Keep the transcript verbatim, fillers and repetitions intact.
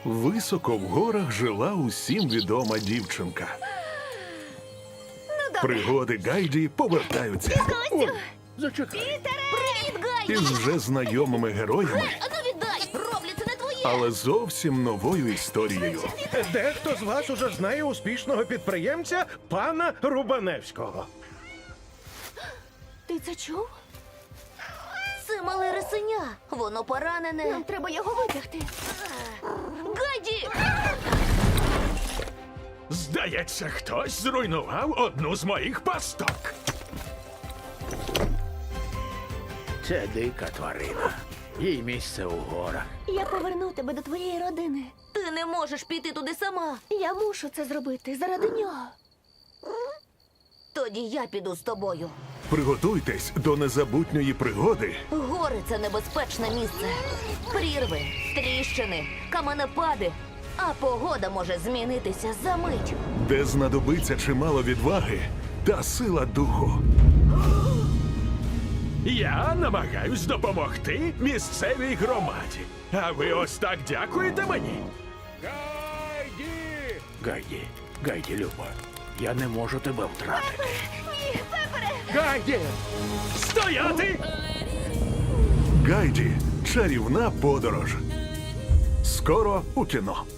Високо в горах жила усім відома дівчинка. Пригоди Гайді повертаються Ой, Зачекай. Привіт, Гайді! із вже знайомими героями, А ну віддай! Роблю, це не твоє! але зовсім новою історією. Дехто з вас уже знає успішного підприємця пана Рубаневського. Ти це чув? Це мале рисеня. Воно поранене. Нам треба його витягти. Гайді! Здається, хтось зруйнував одну з моїх пасток. Це дика тварина. Їй місце у горах. Я поверну тебе до твоєї родини. Ти не можеш піти туди сама. Я мушу це зробити заради нього. Тоді я піду з тобою. Приготуйтесь до незабутньої пригоди, Гори – це небезпечне місце. Прірви, тріщини, каменепади. А погода може змінитися за мить. де знадобиться чимало відваги та сила духу. Я намагаюсь допомогти місцевій громаді. А ви ось так дякуєте мені? Гайді! Гайді, Гайді, Люба, я не можу тебе втратити. Ні, Пепере! Гайді! Стояти! Гайді. Чарівна подорож. Скоро у кіно.